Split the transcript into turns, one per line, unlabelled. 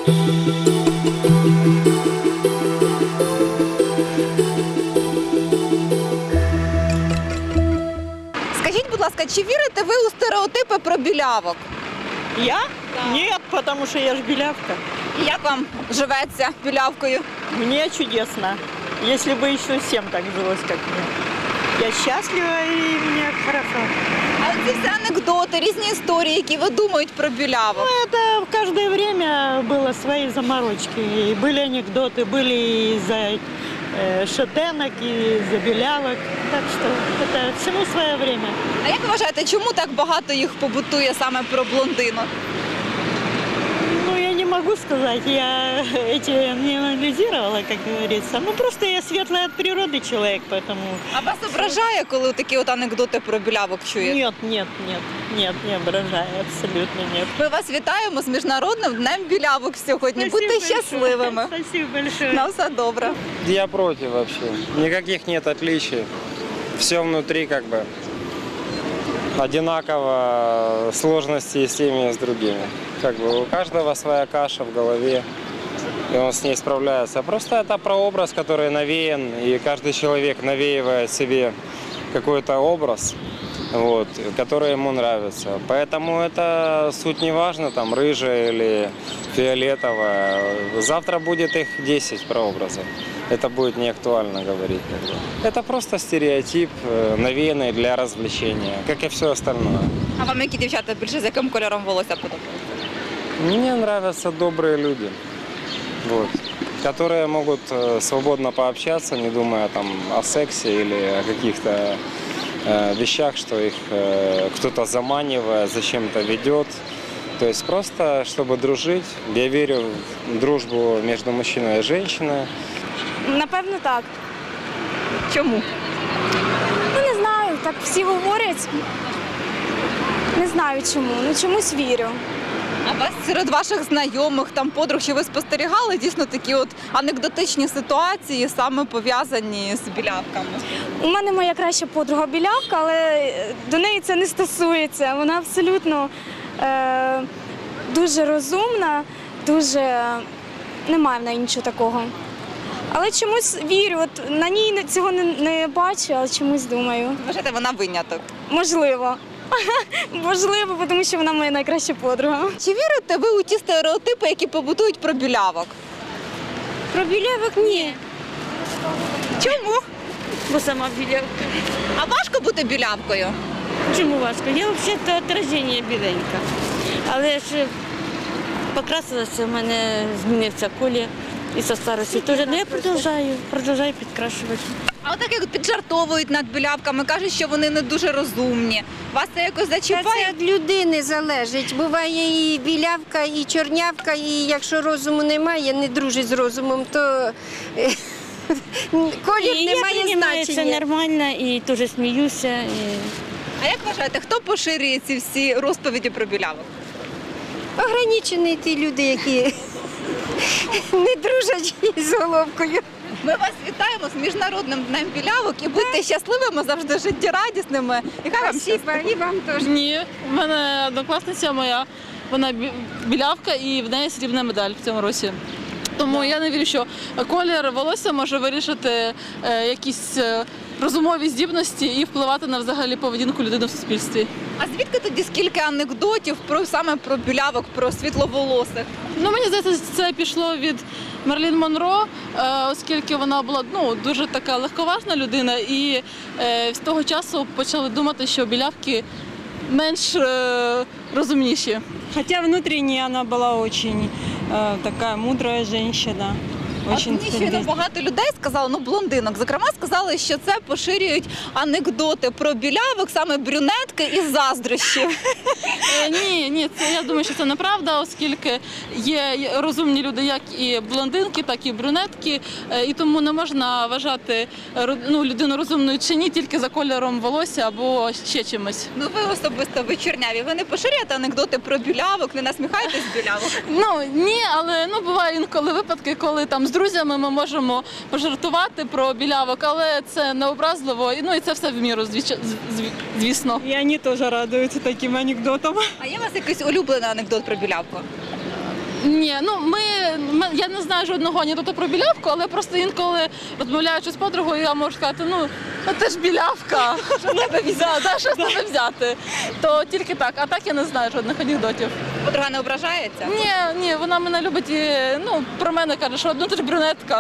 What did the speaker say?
Скажіть, будь ласка, чи вірите ви у стереотипи про білявок?
Я? Нет, потому что я ж белявка.
І як вам живеться білявкою?
Мне чудесно. Если бы еще всем так жилось, как мне. Я счастлива и мне хорошо.
А ці всі анекдоти, різні історії, які видумують про білявок.
Это в каждое время было свои заморочки. И были анекдоты, были из-за шатенок, и из-за белявок. Так что это всему свое время.
А як ви вважаєте, чому так багато їх побутує саме про блондинок?
Ну, я не могу сказать, я эти не анализировала, как говорится. Ну, просто я светлый от природы человек, поэтому...
А вас ображає, коли такі от анекдоти про білявок чуєте?
Нет, не ображаю, абсолютно нет.
Ми вас вітаємо з Міжнародним днем білявок сьогодні. Будьте щасливими.
Спасибо большое.
На все добре.
Я против вообще. Никаких нет отличий. Все внутри как бы одинаково, сложности с теми и с другими. Как бы у каждого своя каша в голове, и он с ней справляется. Просто это прообраз, который навеян, и каждый человек навеивает себе какой-то образ, вот, который ему нравится. Поэтому это суть не важна, там, рыжая или фиолетовая. Завтра будет их 10 прообразов. Это будет не актуально говорить. Это просто стереотип, навеянный для развлечения, как и все остальное.
А вам які дівчата більше з яким кольором волосся подобаються?
Мне нравятся добрые люди, вот, которые могут свободно пообщаться, не думая там о сексе или о каких-то вещах, что их кто-то заманивает, зачем-то ведет. То есть просто, чтобы дружить. Я верю в дружбу между мужчиной и женщиной.
Напевно, так.
Чому?
Ну, не знаю, так всі говорять. Не знаю чому, ну чомусь вірю.
А вас серед ваших знайомих, там подруг, чи ви спостерігали дійсно такі от анекдотичні ситуації, саме пов'язані з білявками?
У мене моя краща подруга білявка, але до неї це не стосується. Вона абсолютно дуже розумна, дуже немає в неї нічого такого. Але чомусь вірю, от на ній цього не бачу, але чомусь думаю.
Вважаєте, вона виняток?
Можливо. Можливо, тому що вона моя найкраща подруга.
Чи вірите ви у ті стереотипи, які побутують про білявок?
Про білявок ні.
Чому?
Бо сама білявка.
А важко бути білявкою?
Чому важко? Я взагалі отраження біленька. Але ж покрасилася, в мене змінився колір і со старості теж. Ну я продовжую підкрашувати.
А отак як піджартовують над білявками, кажуть, що вони не дуже розумні. Вас це якось
Та
зачіпає?
це від людини залежить. Буває і білявка, і чорнявка, і якщо розуму немає, не дружить з розумом, то колір
І
не
я
має
приймаю це
значення.
нормально і теж сміюся.
А як вважаєте, хто поширює ці всі розповіді про білявок?
Ограничені ті люди, які не дружать з головкою.
Ми вас вітаємо з Міжнародним днем білявок і будьте щасливими, завжди життєрадісними. І хай вам
Спасибо,
щастить.
і вам теж.
Ні, в мене однокласниця моя, вона білявка і в неї срібна медаль в цьому році. Тому я не вірю, що колір волосся може вирішити якісь розумові здібності і впливати на взагалі поведінку людини в суспільстві.
А звідки тоді скільки анекдотів саме про білявок, про світловолосих?
Ну, мені здається, це пішло від Мерлін Монро, оскільки вона була дуже така легковажна людина, і з того часу почали думати, що білявки менш розумніші.
Хотя внутренне она была очень такая мудрая женщина.
От мені щойно багато людей сказали, блондинок, зокрема, сказали, що це поширюють анекдоти про білявок, саме брюнетки із заздрощів.
Ні, я думаю, що це неправда, оскільки є розумні люди, як і блондинки, так і брюнетки, і тому не можна вважати людину розумною чи ні тільки за кольором волосся або ще чимось.
Ну ви особисто, ви чорняві, ви не поширюєте анекдоти про білявок, не насміхаєтесь з білявок?
Ні, але буває інколи випадки, коли там з друзями ми можемо пожартувати про білявок, але це не образливо, і це все в міру, звісно.
И они тоже радуются таким анекдотам.
А є у вас якийсь улюблений анекдот про білявку?
Ні, ну я не знаю жодного анекдоту про білявку, але просто інколи розмовляючи з подругою, я можу сказати, ну ти ж білявка, що з тебе взяти, що з тебе взяти. То тільки так, а так я не знаю жодних анекдотів.
Подруга не ображається?
Ні, вона мене любить і про мене каже, що ти ж брюнетка.